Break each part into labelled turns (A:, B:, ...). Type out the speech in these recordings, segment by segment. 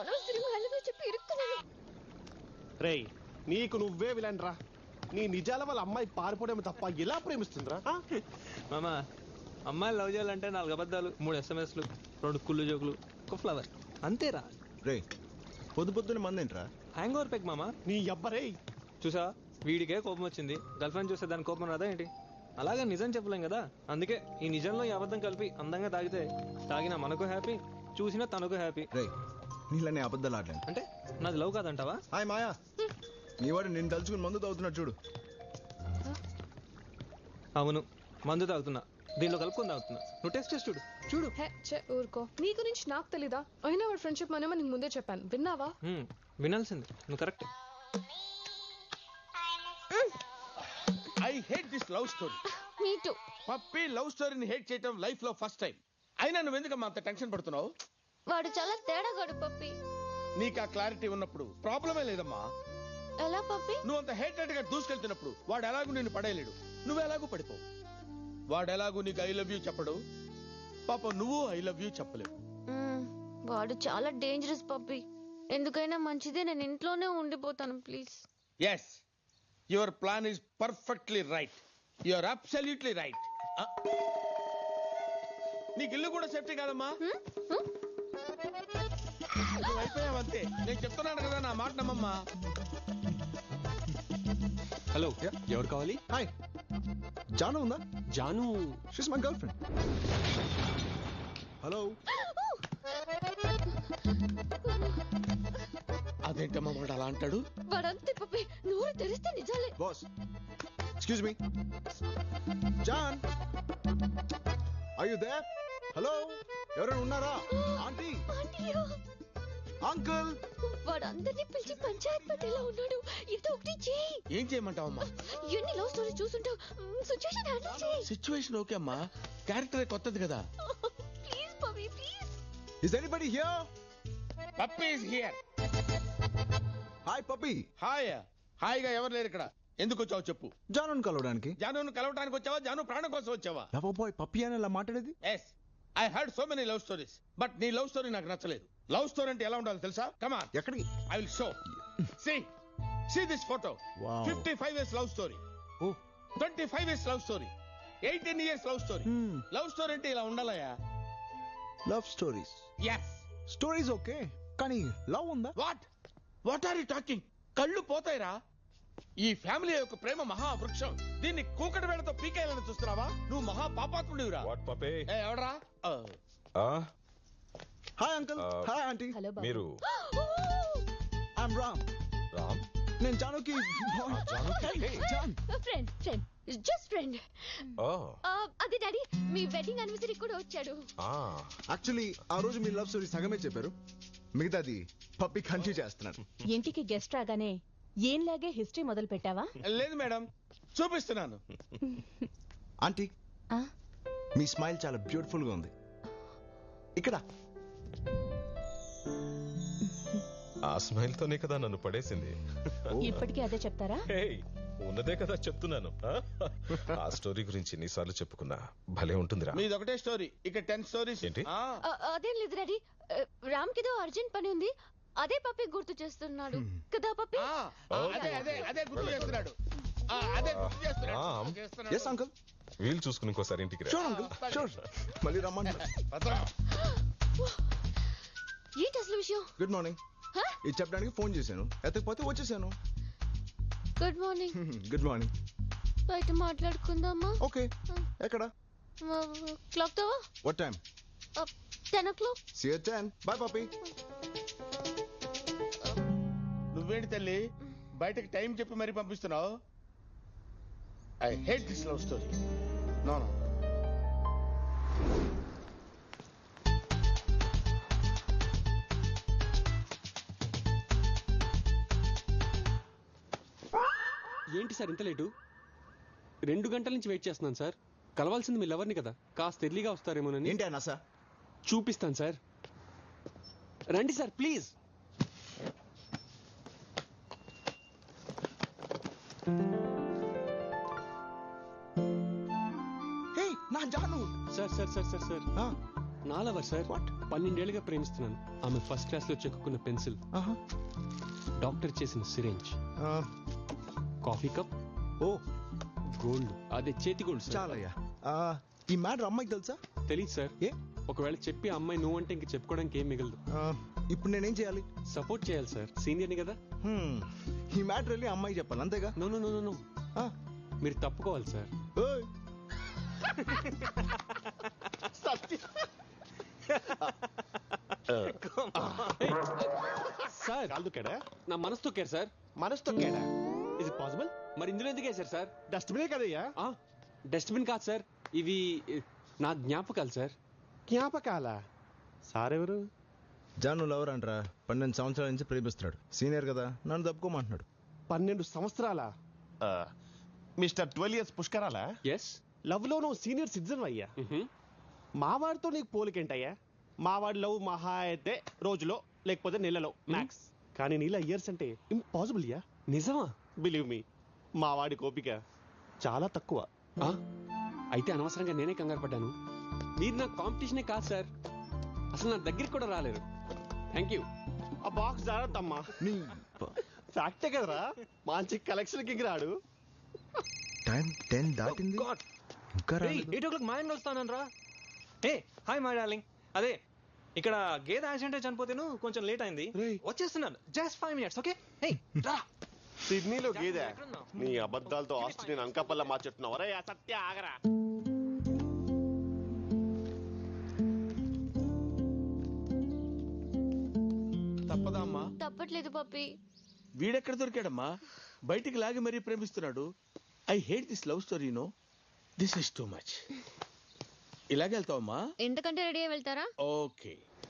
A: అనవసరంగా హలో చెప్పి ఇరుక్కున్నాను.
B: రేయ్ నీకు నువ్వే విలన్రా. నీ నిజాల వల్ల అమ్మాయి పారిపోవడం తప్ప ఎలా ప్రేమిస్తుందిరా?
C: మామా అమ్మాయిలు లవ్ చేయాలంటే 4 అబద్ధాలు, 3 SMS లు, 2 కుళ్ళు జోకులు, ఒక ఫ్లవర్, అంతేరా.
D: రే పొద్దున మందేంట్రా?
C: హ్యాంగ్ ఓవర్ పెక్ మామా.
B: నీ అబ్బరే
C: చూసా వీడికే కోపం వచ్చింది, గర్ల్ ఫ్రెండ్ చూస్తే దాని కోపం రాదా ఏంటి? అలాగే నిజం చెప్పలేం కదా, అందుకే ఈ నిజంలో ఈ అబద్ధం కలిపి అందంగా తాగితే తాగినా మనకు హ్యాపీ, చూసినా తనకు హ్యాపీ.
D: రే నీళ్ళని అబద్ధాలు ఆడలేను.
C: అంటే నాది లవ్ కాదంటావా?
D: హాయ్ మాయా, నీ వాడు నేను తలుచుకుని మందు తాగుతున్నాడు చూడు.
C: అవును మందు తాగుతున్నా, దీనిలో కలుపుకొని తాగుతున్నా. నువ్వు టెస్ట్ చేసి చూడు చూడు.
A: ఊరుకో, నీ గురించి నాకు తెలీదా? అయినా వాడు ఫ్రెండ్షిప్ మనమో నీకు ముందే చెప్పాను, విన్నావా?
C: వినాల్సింది, నువ్వు correct.
E: I hate this love story.
A: Me too.
E: Puppy love స్టోరీని హేట్ చేయడం లైఫ్ లో ఫస్ట్ టైం. అయినా నువ్వు ఎందుకమ్మా అంత టెన్షన్ పడుతున్నావు?
A: వాడు చాలా తేడాగాడు పప్పి.
E: నీకు ఆ క్లారిటీ ఉన్నప్పుడు ప్రాబ్లమే లేదమ్మా.
A: ఎలా పప్పి?
E: నువ్వు అంత హేటెడ్ గా దూసుకెళ్తున్నప్పుడు వాడు ఎలాగూ నిన్ను పడేయలేడు, నువ్వు ఎలాగూ పడిపో. వాడు ఎలాగూ నీకు ఐ లవ్ యూ చెప్పడు, పాప నువ్వు ఐ లవ్ యూ చెప్పలేవు.
A: వాడు చాలా డేంజరస్ పప్పి. ఎందుకైనా మంచిదే, నేను ఇంట్లోనే ఉండిపోతాను please.
E: Yes, your plan is perfectly right. Your absolutely right. నీకు ఇల్లు కూడా సేఫ్టీ కాదమ్మా. నువ్వు అయిపోయావంతే. నేను చెప్తున్నాను కదా, నా మాట నమ్మమ్మా.
F: హలో, ఎవరు కావాలి?
D: హాయ్, జాను ఉందా?
F: Janu
D: she's my girl friend. Hello.
E: అదేంటమ్మా వాడు అలా అంటాడు?
A: వాడంతే పప్పి, నోరు తెరిస్తే నిజాలే.
D: Boss excuse me. Jaan are you there? Hello, ఎవరైనా ఉన్నారా? Aunty, uncle.
A: వాడు అందరినీ పిలిచి పంచాయత్ పెట్టేలా ఉన్నాడు. ఇది ఒకటి చేయి.
E: ఏం చేయమంటావమ్మా?
A: ఎన్ని లవ్ స్టోరీ చూసుంటావు, సిచ్యువేషన్ హ్యాండిల్ చేయి.
E: సిచ్యువేషన్ ఓకే అమ్మా, క్యారెక్టర్ కొత్తది కదా.
A: Please puppy please.
D: Is anybody here?
E: Puppy is here.
D: Hi puppy.
E: Hi. హాయిగా ఎవరు లేరు ఇక్కడ. ఎందుకు వచ్చావు చెప్పు.
D: జానుని కలవడానికి.
E: జానును కలవడానికి వచ్చావా? జాను ప్రాణం కోసం వచ్చావా?
D: లవ్ బాయ్ పప్పీ అని ఇలా మాట్లాడేది?
E: Yes, I heard so many love stories, but నీ లవ్ స్టోరీ నాకు నచ్చలేదు. లవ్ స్టోరీ అంటే ఎలా ఉండాలి తెలుసా? Come on.
D: ఎక్కడికి?
E: I will show. See this photo.
D: Wow.
E: 55 years love story.
D: ఓ
E: 25 years love story. 18 years love story. Love story అంటే ఇలా ఉండాలయా?
D: Love stories.
E: Yes.
D: Stories okay, కానీ లవ్ ఉందా?
E: What are you talking? కళ్ళు పోతాయిరా. ఈ ఫ్యామిలీ యొక్క ప్రేమ మహావృక్షం. దీన్ని కూకటి వేళతో పీకేయాలని చూస్తున్నావా? నువ్వు మహా పాపాత్ముడివిరా. ఎవడరా?
D: Hi uncle. Hi aunty.
F: మీరు?
D: ఐఎమ్ రామ్.
F: రామ్?
D: నేను జానుకి జాన్
A: ఫ్రెండ్ జస్ట్ ఫ్రెండ్. అది డాడీ, మీ వెడ్డింగ్ యానివర్సరీ కూడా వచ్చాడు.
D: యాక్చువల్లీ ఆ రోజు మీ లవ్ స్టోరీ సగమే చెప్పారు, మిగతాది పప్పి కంటిన్యూ చేస్తున్నాను.
G: ఇంటికి గెస్ట్ రాగానే ఏంలాగే హిస్టరీ మొదలు పెట్టావా?
E: లేదు మేడం, చూపిస్తున్నాను.
D: ఆంటీ, మీ స్మైల్ చాలా బ్యూటిఫుల్ గా ఉంది. ఇక్కడ
F: ఆ స్మైల్ తోనే కదా నన్ను పడేసింది.
G: ఇప్పటికీ అదే చెప్తారా?
F: ఉన్నదే కదా చెప్తున్నాను. ఆ స్టోరీ గురించి ఎన్నిసార్లు చెప్పుకున్నా భలే ఉంటుందిరా.
E: మీది ఒకటే స్టోరీ, ఇక 10 స్టోరీస్.
F: ఏంటి?
A: అదేం లేదు డాడీ, రామ్ కిదో అర్జెంట్ పని ఉంది, అదే పప్పి గుర్తు చేస్తున్నాడు కదా పప్పి.
E: అదే గుర్తు చేస్తున్నాడు. అదే గుర్తు చేస్తున్నాడు.
D: Yes uncle.
F: వీలు చూసుకుని ఇంకోసారి ఇంటికి రా.
D: Sure uncle, sure. మళ్ళీ రమ్మంటారు.
A: ఏంటి అసలు విషయం?
D: Good morning. ఇది చెప్పడానికి ఫోన్ చేశాను, ఎత్తకపోతే వచ్చేసాను.
A: Good morning.
D: Good morning.
A: బయట మాట్లాడుకుందామా?
D: ఓకే. ఎక్కడ?
A: క్లాక్ తో.
D: What time?
A: 10 o'clock.
D: See you at 10. Bye puppy.
E: నువ్వేంటి తల్లి బయటకి టైం చెప్పి మరీ పంపిస్తున్నావు? I hate this love story. No.
H: ఏంటి సార్ ఇంత లేటు? 2 గంటల నుంచి వెయిట్ చేస్తున్నాను సార్. కలవాల్సింది మీ లవర్ని కదా, కాస్త ఎర్లీగా వస్తారేమోనని.
D: ఏంటి అన్నా సార్?
H: చూపిస్తాను సార్, రండి సార్ ప్లీజ్.
D: హే నా Janu.
H: Sir sir sir sir sir నా లవర్ సార్. 12 ఏళ్ళుగా ప్రేమిస్తున్నాను. ఆమె ఫస్ట్ క్లాస్ లో చెక్కున్న పెన్సిల్, డాక్టర్ చేసిన సిరేంజ్, కాఫీ కప్,
D: ఓ
H: గోల్డ్, అదే చేతి గోల్డ్ సార్.
D: చాలయ్యా. ఈ మ్యాటర్ అమ్మాయికి తెలుసా?
H: తెలియదు సార్.
D: ఏ
H: ఒకవేళ చెప్పి అమ్మాయి నువ్వు అంటే ఇంక చెప్పుకోవడానికి ఏం మిగలదు.
D: ఇప్పుడు నేనేం చేయాలి?
H: సపోర్ట్ చేయాలి సార్, సీనియర్ని కదా.
D: ఈ మ్యాటర్ వెళ్ళి అమ్మాయికి చెప్పాలి అంతేగా?
H: నో నో నో నో, మీరు తప్పుకోవాలి సార్.
D: ఓయ్
H: సార్
B: కాలు తొక్కాడా?
H: నా మనసు తొక్కారు సార్.
B: మనసు తొక్కాడా? Is it possible?
H: మరి ఇందులో ఎందుకు వేశారు సార్?
B: డస్ట్బినే కదయ్యా.
H: డస్ట్బిన్ కాదు సార్, ఇవి నా జ్ఞాపకాలు సార్.
B: జ్ఞాపకాల సారెవరు?
D: జాను లవర్ అంటరా, 12 సంవత్సరాల నుంచి ప్రేమిస్తున్నాడు. సీనియర్ కదా, నన్ను తప్పుకోమంటున్నాడు.
B: 12 సంవత్సరాల మిస్టర్ 12 years పుష్కరాల
H: ఎస్.
B: లవ్ లో నువ్వు సీనియర్ సిటిజన్ అయ్యా. మావాడితో నీకు పోలికేంటయ్యా? మావాడి లవ్ మహా అయితే రోజులో లేకపోతే నెలలో మ్యాక్స్, కానీ నీలా ఇయర్స్ అంటే ఇంపాసిబుల్ యా.
H: నిజమా?
B: బిలీవ్ మీ, మావాడి కోపిక చాలా తక్కువ.
H: అయితే అనవసరంగా నేనే కంగారు పడ్డాను. మీరు నా కాంపిటీషనే కాదు సార్, అసలు నా దగ్గరికి కూడా రాలేరు. Thank you.
B: ఆ బాక్స్ జాగ్రత్తమ్మా. ఫ్యాక్టే కదరా, మంచి కలెక్షన్ కి రాడు.
D: టైం 10 దాటింది, ఇంకా రాలేదు.
C: 8 o'clock మా ఇంట్లో వస్తాను రా. Hey hi my darling. అదే ఇక్కడ గేదె యాక్సిడెంట్ చనిపోతేను కొంచెం లేట్ అయింది, వచ్చేస్తున్నాను. Just 5 minutes, okay? హే రా.
B: సిడ్నీలో గేదె? నీ అబద్ధాలతో ఆస్ట్రేలియన్ అంకపల్ల మార్చెట్టున్నావు. అరే సత్య ఆగరా.
E: తప్పదా అమ్మా?
A: తప్పట్లేదు పప్పి.
E: వీడెక్కడ దొరికాడమ్మా? బయటికి లాగి మరీ ప్రేమిస్తున్నాడు. I hate this love story. No, this is too much. ఇలాగే వెళ్తావమ్మా?
A: ఎంతకంటే రెడీ అయి వెళ్తారా?
E: ఓకే.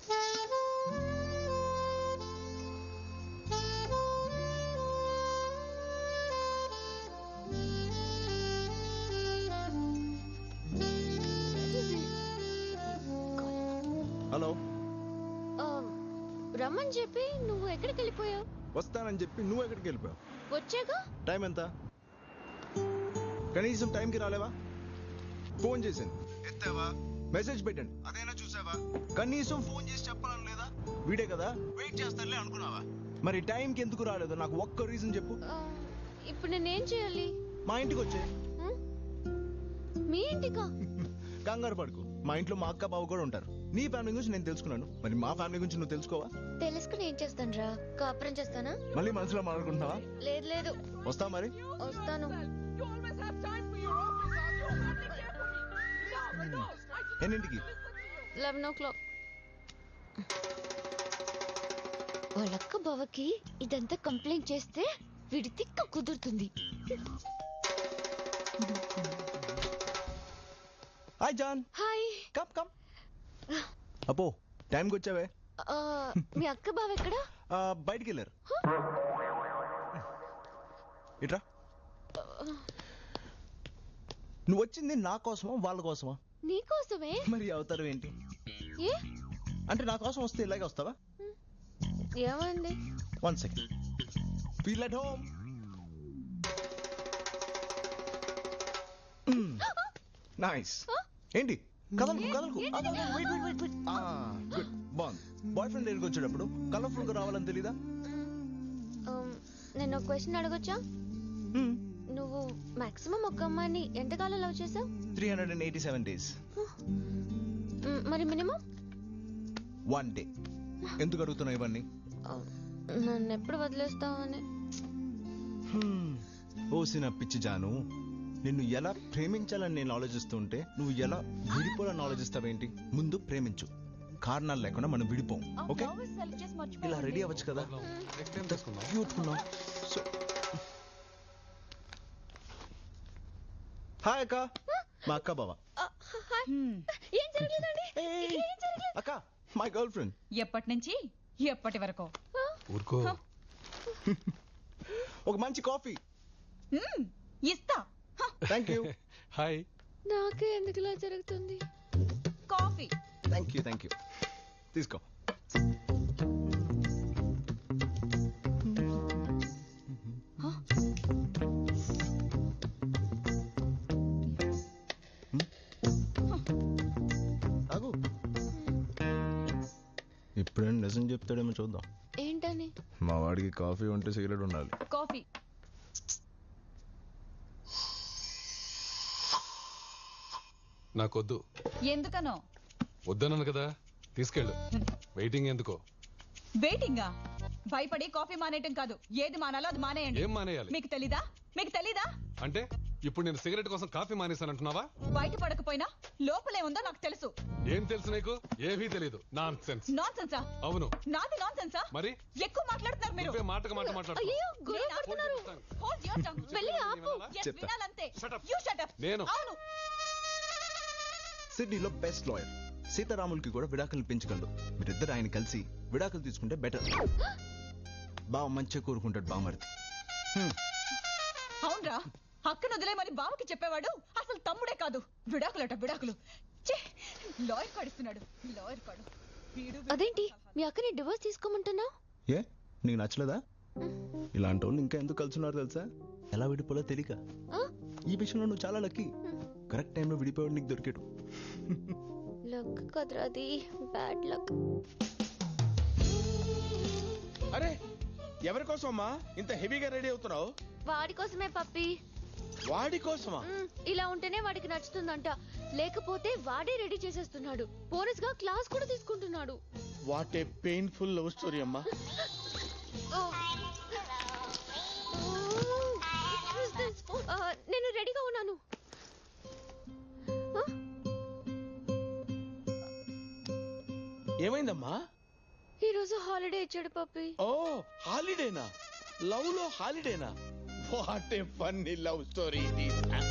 D: హలో.
A: రమ్మని చెప్పి నువ్వు ఎక్కడికి వెళ్ళిపోయావు?
D: వస్తానని చెప్పి నువ్వు ఎక్కడికి వెళ్ళిపోయావు?
A: వచ్చాక
D: టైం ఎంత? కనీసం టైంకి రాలేవా? ఫోన్ చేశాను, ఎత్తావా? మెసేజ్ పెట్టండి, అదైనా చూసావా? కనీసం ఫోన్ చేసి చెప్పాలని లేదా? వీడే కదా, వెయిట్ చేస్తానులే అనుకున్నావా? మరి టైంకి ఎందుకు రాలేదు? నాకు ఒక్క రీజన్ చెప్పు.
A: ఇప్పుడు నేనేం చేయాలి?
D: మా ఇంటికి వచ్చే.
A: మీ ఇంటికా?
D: కంగారు పడుకు, మా ఇంట్లో మా అక్క బావ కూడా ఉంటారు. నీ ఫ్యామిలీ గురించి నేను తెలుసుకున్నాను, మరి మా ఫ్యామిలీ గురించి నువ్వు తెలుసుకోవా?
A: తెలుసుకుని ఏం చేస్తాను రా? కాపురం చేస్తానా?
D: మళ్ళీ మనసులో మాట్లాడుకుంటున్నావా?
A: లేదు లేదు.
D: వస్తావా మరి?
A: వస్తాను.
D: ఎన్నింటికి?
A: 11 o'clock. వాళ్ళక్క బావకి ఇదంతా కంప్లైంట్ చేస్తే వీడి తిక్క కుదురుతుంది.
D: Hi Jaan.
A: Hi.
D: Come come. అపో టైంకి వచ్చావే.
A: మీ అక్క బావ ఎక్కడా?
D: బయటికి వెళ్ళారు. ఇట్రా. నువ్వు వచ్చింది నా కోసమా వాళ్ళ కోసమా?
A: నీకోసమే.
D: మరి అవతారం ఏంటి?
A: ఏ
D: అంటే నా కోసం వస్తే ఇలాగే వస్తావా?
A: ఏమండి?
D: 1 second. Feel at home. Nice. ఏంటి కదలకు కదలకు? గుడ్. బాగుంది. బాయ్ ఫ్రెండ్ దగ్గరికి వచ్చేటప్పుడు కలర్ఫుల్ గా రావాలని తెలీదా?
A: నేను ఒక క్వశ్చన్ అడగొచ్చా? నువ్వు మాక్సిమం ఒక అమ్మాయిని ఎంతకాలం లవ్ చేసావు?
D: 387 days.
A: మరి మినిమం?
D: 1 day. ఎందుకు అడుగుతున్నావు ఇవన్నీ?
A: నన్ను ఎప్పుడు వదిలేస్తావని.
D: ఓసిన పిచ్చి జాను, నిన్ను ఎలా ప్రేమించాలని నేను ఆలోచిస్తుంటే నువ్వు ఎలా విడిపోవాలని ఆలోచిస్తావేంటి? ముందు ప్రేమించు, కారణాలు లేకుండా మనం విడిపోం. ఓకే, ఇలా రెడీ అవ్వచ్చు కదా? క్యూట్ ఉన్నావు. సో హాయ్ అక్క, మా అక్క బావ.
A: ఏం జరగలేదండి.
D: అక్క, మై గర్ల్ ఫ్రెండ్.
G: ఎప్పటి నుంచి ఎప్పటి వరకు?
H: ఊరుకో.
D: ఒక మంచి కాఫీ.
G: ఇస్తా.
D: Thank you.
H: హాయ్.
A: నాకే ఎందుకు ఇలా జరుగుతుంది?
G: Coffee.
D: Thank you thank you. తీసుకో. ఆగు. రీజన్ చెప్తాడేమో చూద్దాం.
A: ఏంటని?
D: మా వాడికి కాఫీ ఉంటే సిగరెట్ ఉండాలి.
G: కాఫీ
I: నాకొద్దు.
G: ఎందుకనో?
I: వద్దన్నాను కదా, తీసుకెళ్ళు. వెయిటింగ్ ఎందుకో?
G: వెయిటింగా? భయపడి కాఫీ మానేయటం కాదు, ఏది మానాలో అది మానేయండి.
I: ఏం మానేయాలి?
G: మీకు తెలీదా? మీకు తెలీదా?
I: అంటే ఇప్పుడు నేను సిగరెట్ కోసం కాఫీ మానేశానంటున్నావా?
G: బయట పడకపోయినా లోపలే ఉందో నాకు తెలుసు.
I: ఏం తెలుసు నీకు? ఏమీ తెలీదు. Nonsense.
G: నాన్ సెన్సా?
I: అవును.
G: నాది నాన్ సెన్సా?
I: మరి
G: ఎక్కువ మాట్లాడుతున్నారు మీరు.
I: నువ్వే మాటకు మాట మాట్లాడుతున్నావు.
A: అయ్యో గొడవ పడుతున్నారు.
G: Hold your tongue.
A: వెళ్ళి ఆపు.
G: Yes,
D: చెప్తా.
G: వినాలంతే.
I: Shut up.
G: You shut up.
I: నేను.
G: అవును.
D: సిడ్నీలో బెస్ట్ లాయర్ సీతారాములకి కూడా విడాకులు పెంచగలడు. మీరిద్దరు ఆయన కలిసి విడాకులు తీసుకుంటే బెటర్. బావ మంచిగా కోరుకుంటాడు బామర్ది.
G: అవునరా, అక్కను వదిలేమని బావకి చెప్పేవాడు అసలు తమ్ముడే కాదు. విడాకులట విడాకులు. లాయర్ కాడిస్తున్నాడు, లాయర్ కాడు.
A: అదేంటి మీ అక్కని డివోర్స్ తీసుకోమంటున్నావు?
D: ఏ నీకు నచ్చలేదా? ఇలాంటి వాళ్ళు ఇంకా ఎందుకు కలుసున్నారు తెలుసా? ఎలా విడిపోలో తెలియక. ఈ విషయంలో నువ్వు చాలా లక్కీ. కరెక్ట్ టైంలో విడిపోయాడు నీకు దొరికాడు.
A: లక్ కదరా అది, బ్యాడ్ లక్.
E: అరే ఎవరి కోసం అమ్మా ఇంత హెవీగా రెడీ అవుతున్నావు?
A: వాడి కోసమే పప్పి.
E: వాడి కోసమా?
A: ఇలా ఉంటేనే వాడికి నచ్చుతుందంట, లేకపోతే వాడే రెడీ చేసేస్తున్నాడు. బోనస్ గా క్లాస్ కూడా తీసుకుంటున్నాడు.
E: What a painful love story అమ్మా.
A: నేను రెడీగా ఉన్నాను.
E: ఏమైందమ్మా?
A: ఈ రోజు హాలిడే ఇచ్చాడు పప్పి.
E: ఓ హాలిడేనా? లవ్ లో హాలిడేనా? What a funny love story ఇది.